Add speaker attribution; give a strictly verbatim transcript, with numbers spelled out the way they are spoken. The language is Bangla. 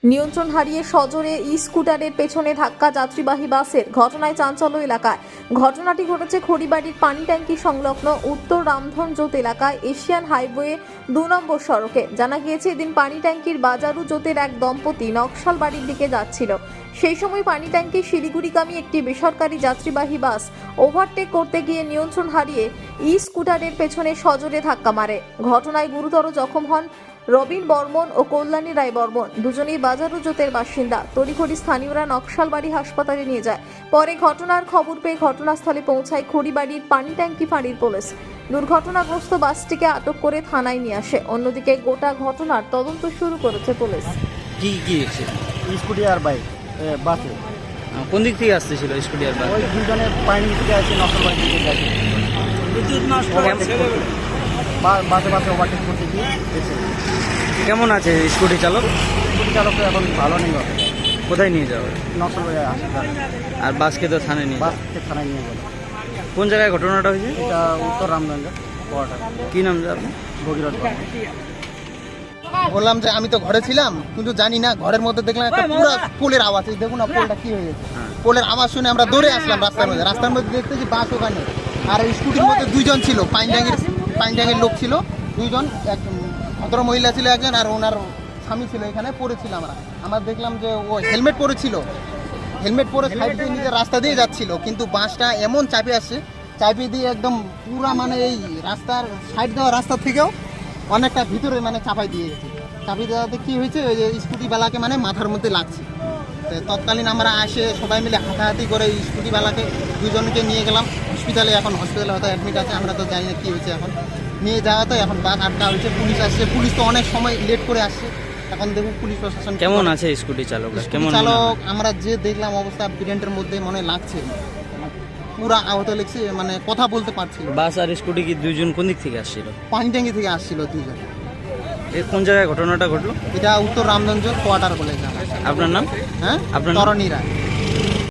Speaker 1: নিয়ন্ত্রণ হারিয়ে সজোরে ই স্কুটারের পেছনে ধাক্কা যাত্রীবাহী বাসের ঘটনায় চাঞ্চল্য এলাকায়। ঘটনাটি ঘটেছে খড়িবাড়ির পানি ট্যাঙ্কি সংলগ্ন উত্তর রামধনজোত এলাকায় এশিয়ান হাইওয়ে দু নম্বর সড়কে। জানা গিয়েছে, এদিন পানি ট্যাঙ্কির বাজারু জোতের এক দম্পতি নকশাল বাড়ির দিকে যাচ্ছিল। সেই সময় পানি ট্যাঙ্কি শিলিগুড়িগামী একটি বেসরকারি যাত্রীবাহী বাস ওভারটেক করতে গিয়ে নিয়ন্ত্রণ হারিয়ে ই স্কুটারের পেছনে সজোরে ধাক্কা মারে। ঘটনায় গুরুতর জখম হন রবিন বর্মন ও কল্যাণী রায় বর্মন, দুজনেই বাজারু জোতের বাসিন্দা। তড়িঘড়ি স্থানীয়রা নকশালবাড়ি হাসপাতালে নিয়ে যায়। পরে ঘটনার খবর পেয়ে ঘটনাস্থলে পৌঁছায় খড়িবাড়ির পানি ট্যাঙ্কি ফাঁড়ির পুলিশ। দুর্ঘটনাগ্রস্ত বাসটিকে আটক করে থানায় নিয়ে আসে। অন্যদিকে গোটা ঘটনার তদন্ত শুরু করেছে পুলিশ।
Speaker 2: কি কি হয়েছে?
Speaker 3: স্কুটি আর বাইক বাসে
Speaker 2: কোন দিক থেকে আসতেছিল স্কুটি আর বাইক?
Speaker 3: ওই দুজনে পানি থেকে আছে, নকল বাড়ি থেকে গেছে। বাসে বাসে ওভারটেক করতে গিয়ে এসে
Speaker 2: কেমন আছে স্কুটি চালক?
Speaker 3: স্কুটি চালক এখন ভালো নেই, হবে
Speaker 2: কোথায় নিয়ে যাওয়া হবে?
Speaker 3: নকল বাড়ি হাসপাতাল।
Speaker 2: আর বাসকে তো থানায় নিয়ে যাওয়া।
Speaker 3: বাসকে থানায় নিয়ে গেল।
Speaker 2: কোন জায়গায় ঘটনাটা হয়েছে?
Speaker 3: এটা উত্তর রামগঞ্জ কোয়ার্টার,
Speaker 2: কি নাম যে আপনি?
Speaker 3: ভগীরথ।
Speaker 4: বললাম যে আমি তো ঘরে ছিলাম, কিন্তু জানি না, ঘরের মধ্যে দেখলাম একটা পুরো পোলের আওয়াজ। এই দেখুন না পোলটা কি হয়ে গেছে। পোলের আওয়াজ শুনে আমরা দৌড়ে আসলাম রাস্তার মধ্যে। রাস্তার মধ্যে দেখতে যে বাস ওখানে, আর স্কুটির মধ্যে দুইজন ছিল, পাইন ট্যাঙ্কের পাইন ট্যাঙ্কের লোক ছিল দুইজন, এক ভদ্র মহিলা ছিল একজন, আর ওনার স্বামী ছিল। এখানে পড়েছিল আমরা আমরা দেখলাম যে ও হেলমেট পরেছিল, হেলমেট পরে সাইড দিয়ে নিজের রাস্তা দিয়ে যাচ্ছিল, কিন্তু বাসটা এমন চাপে আসছে, চাপে দিয়ে একদম পুরা মানে এই রাস্তার সাইড দেওয়া রাস্তা থেকেও অনেকটা ভিতরে মানে চাপাই দিয়ে গেছে। চাপিয়ে দেওয়াতে কী হয়েছে, ওই যে স্কুটিওয়ালাকে মানে মাথার মধ্যে লাগছে। তো তৎকালীন আমরা আসে সবাই মিলে হাতাহাতি করে স্কুটিওয়ালাকে দুজনকে নিয়ে গেলাম হসপিটালে। এখন হসপিটালে হয়তো অ্যাডমিট আছে, আমরা তো জানি না কী হয়েছে। এখন নিয়ে যাওয়া তো এখন বাস আটকা হয়েছে, পুলিশ আসছে। পুলিশ তো অনেক সময় লেট করে আসছে। এখন দেখুন পুলিশ প্রশাসন
Speaker 2: কেমন আছে স্কুটি চালক? কেমন
Speaker 4: চালক আমরা যে দেখলাম অবস্থা, ব্রেন্টের মধ্যে মনে লাগছে পুরা আহত লেগছে, মানে কথা বলতে পারছিল।
Speaker 2: বাস আর স্কুটি কি দুইজন কোন দিক থেকে আসছিল?
Speaker 4: পানি ট্যাঙ্কি থেকে আসছিল দুজন।
Speaker 2: এ কোন জায়গায় ঘটনাটা ঘটলো?
Speaker 4: এটা উত্তর রামগঞ্জ কোয়ার্টার বলে।
Speaker 2: আপনার নাম?
Speaker 4: হ্যাঁ,
Speaker 2: আপনার নাম?
Speaker 4: তরণী রায়।